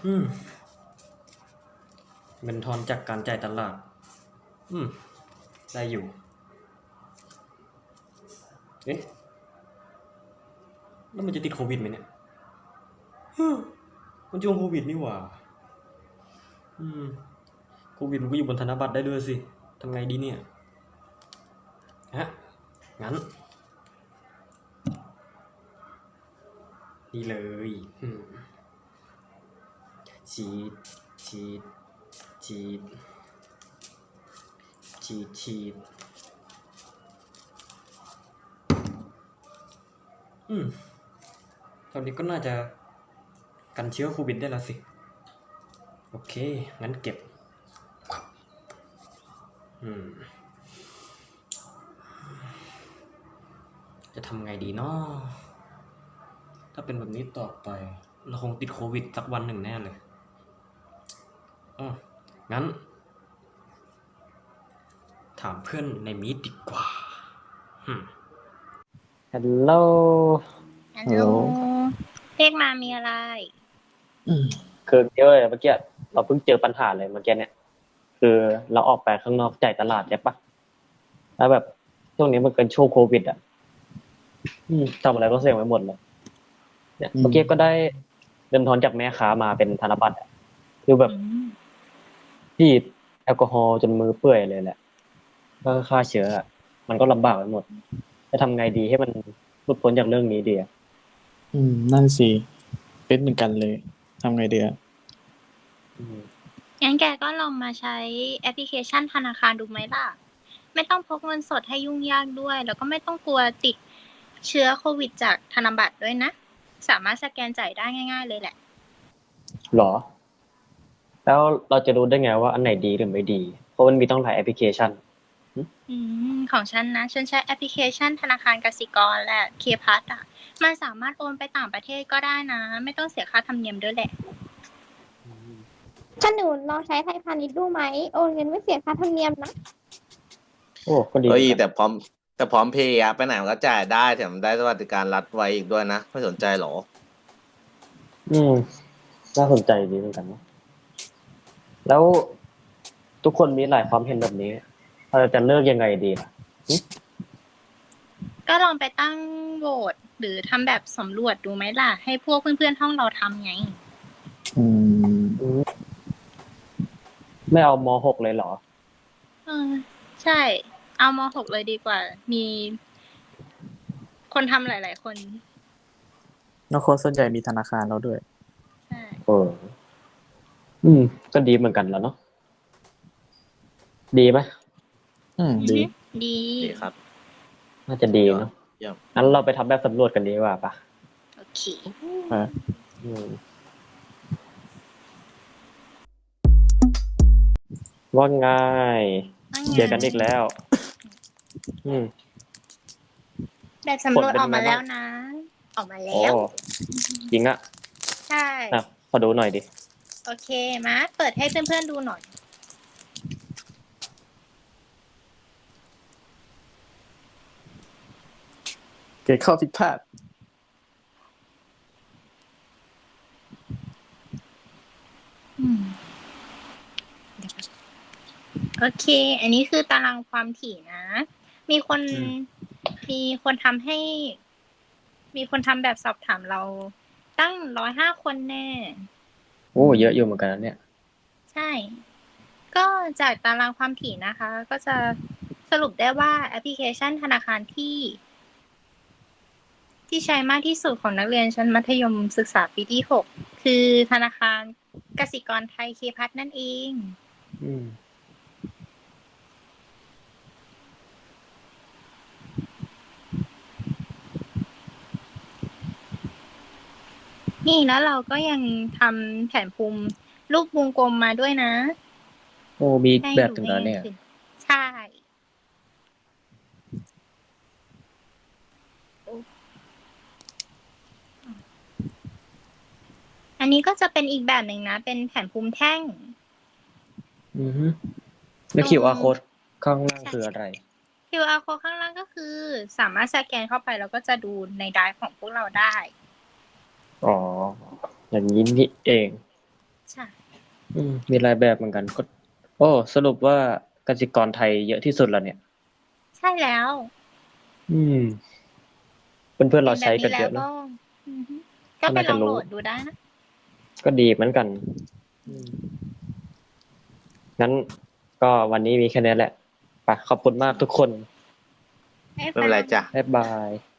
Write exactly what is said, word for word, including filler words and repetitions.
อืมเงินทอนจากการจ่ายตลาดอืมได้อยู่เอ๊ะแล้วมันจะติดโควิดไหมเนี่ยมันช่วงโควิดนี่หว่าอืมโควิดมันก็อยู่บนธนบัตรได้ด้วยสิทำไงดีเนี่ยฮะงั้นนี่เลยอืมฉีดฉีดฉีดฉีดฉีดอืมตอนนี้ก็น่าจะกันเชื้อโควิดได้แล้วสิโอเคงั้นเก็บอืมจะทำไงดีเนาะถ้าเป็นแบบนี้ต่อไปเราคงติดโควิดสักวันหนึ่งแน่เลยอ๋องั้นถามเพื่อนในมีตดีกว่าอืมฮัลโหลฮัลโหลเรียกมามีอะไรคือเยอะเลยเมื่อกี้เราเพิ่งเจอปัญหาเลยเมื่อกี้เนี่ยคือเราออกไปข้างนอกจ่ายตลาดใช่ปะแล้วแบบช่วงนี้มันเป็นช่วงโควิดอ่ะอืมทำอะไรก็เสี่ยงไปหมดเลยเนี่ยเมื่อกี้ก็ได้เงินทอนจากแม่ค้ามาเป็นธนบัตรอะคือแบบฉีดแอลกอฮอล์จนมือเปื่อยเลยแหละก็ฆ่าเชื้ออะมันก็ลำบากไปหมดจะทำไงดีให้มันหลุดพ้นจากเรื่องนี้ดีอ่ะอืมนั่นสิเป็นเหมือนกันเลยทำไงเดียอืมงั้นแกก็ลองมาใช้แอปพลิเคชันธนาคารดูไหมล่ะ ไม่ต้องพกเงินสดให้ยุ่งยากด้วย แล้วก็ไม่ต้องกลัวติดเชื้อโควิดจากธนบัตรด้วยนะ สามารถสแกนจ่ายได้ง่ายๆเลยแหละหรอแล้วเราจะรู้ได้ไงว่าอันไหนดีหรือไม่ดีเพราะมันมีต้องหลายแอปพลิเคชันอืมของฉันนะ ฉันใช้แอปพลิเคชันธนาคารกสิกรและเคพัทอ่ะ มันสามารถโอนไปต่างประเทศก็ได้นะ ไม่ต้องเสียค่าธรรมเนียมด้วยแหละถ้าหนูลองใช้ไทยพาณิชย์ดูไหมโอนเงินไม่เสียค่าธรรมเนียมนะโอ้ก็ดีเหเอ้ยมือนกันแต่พร้อมแต่พร้อมเพย์อะไปไหนมันก็จ่ายได้แถมได้สวัสดิการรัฐไว้อีกด้วยนะไม่สนใจหรออืมน่าสนใจดีเหมือนกันนะแล้วทุกคนมีหลายความเห็นแบบนี้เราจะเลือกยังไงดีล่ะก็ลองไปตั้งโหวตหรือทำแบบสำรวจดูไหมล่ะ ให้พวกเพื่อนๆห้องเราทำไงอืมอืมไม่เอามหกเลยเหรอเออใช่ เอามหกเลยดีกว่า มีคนทำหลายๆคนแล้วคนส่วนใหญ่มีธนาคารแล้วด้วยใช่เอออืมก็ดีเหมือนกันแล้วเนาะดีไหมอืมดีอือฮึดีดีครับน่าจะดียอดเนาะเยี่ยมงั้นเราไปทำแบบสำรวจกันดีกว่าปะโอเคอ่าอืมว่าง่ายว่าเจไงอกันอีกแล้ว อืมแบบผลสำรวจออกเป็นยังไงบ้างมาแล้วนะ ออกมาโอ้แล้วจริงอะใช่อ่ะขอดูหน่อยดิโอเค มาเปิดให้เพื่อนๆดูหน่อยเกิดข้อผิดพลาดอืมโอเค อันนี้คือตารางความถี่นะ มีคนอืมมีคนทำให้ มีคนทำแบบสอบถามเราตั้งร้อยห้าคนแน่โอ้เยอะอยู่เหมือนกันนะเนี่ยใช่ ก็จากตารางความถี่นะคะ ก็จะสรุปได้ว่าแอปพลิเคชันธนาคารที่ ที่ใช้มากที่สุดของนักเรียนชั้นมัธยมศึกษาปีที่หกคือธนาคารกสิกรไทยเคพัฒน์นั่นเองอืมนี่แล้วเราก็ยังทำแผนภูมิรูปวงกลมมาด้วยนะโอ้มีให้แบบดูถึงแล้วเนี่ยได้ง่ายขึ้น ใช่ อันนี้ก็จะเป็นอีกแบบหนึ่งนะ เป็นแผนภูมิแท่งอือฮึแล้วตรงคิว อาร์ code ข้างล่างใช่คืออะไรคิว อาร์ code ข้างล่างก็คือสามารถสแกนเข้าไปแล้วก็จะดูในไดรฟ์ของพวกเราได้อ๋ออย่างนี้นี่เองอืมมีหลายแบบเหมือนกันก็โอ้สรุปว่ากสิกรไทยเยอะที่สุดแล้วเนี่ยใช่แล้วอืมเพื่อนๆเราเป็นแบใช้บกันี้นแล้เยวก็อะนะอือฮึก็ก็ไปน่าลจะองโหลรู้ดดูได้นะก็ดีเหมือนกัน อืมงั้นก็วันนี้มีแค่นี้แหละไปขอบคุณมากทุกคนบ๊ายไม่บาเป็นไรยจ้ะบ๊ายบาย